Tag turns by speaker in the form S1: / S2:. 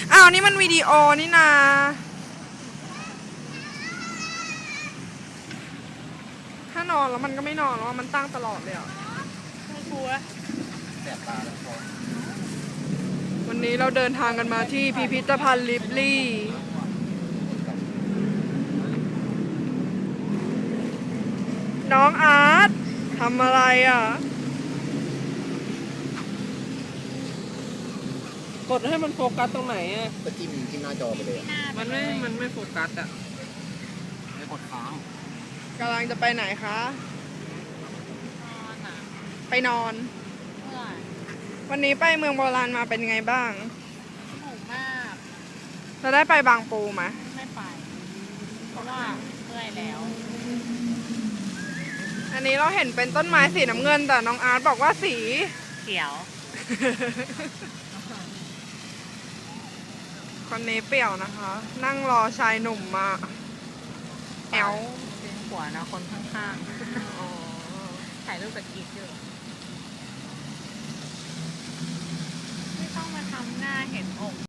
S1: อ้าวนี่มันวิดีโอนี่นาถ้านอนแล้วมันก็ไม่นอนแล้วมันตั้งตลอดเลยอ่ะ
S2: ไม่กลัว
S3: แสบตาแล้วพอ
S1: วันนี้เราเดินทางกันมาที่พิพิธภัณฑ์ลิบลี่น้องอาร์ตทำอะไรอ่ะ
S2: กดให้มันโฟกัสตรงไหนอ่ะ
S3: ก็จิ้มหน้าจอไปเลย
S2: มันไม่โฟกัสอ่ะ
S3: ไม่กดค้าง
S1: กำลังจะไปไหนคะไปนอนวันนี้ไปเมืองโบราณมาเป็นไงบ้าง
S4: สนุกมาก
S1: เราได้ไปบางปูไหม
S4: ไม่ไปเพราะว่าเมื่อยแล้ว
S1: อันนี้เราเห็นเป็นต้นไม้สีน้ำเงินแต่น้องอาร์ตบอกว่าสี
S4: เขียว
S1: คนนี้เปี่ยวนะคะ นั่งรอชายหนุ่มมาแอล
S4: เป็นหัวนะคนข้างๆถ่ายรูปกับกิ๊กอยู่ไม่ต้องมาทำหน้าเห็นอก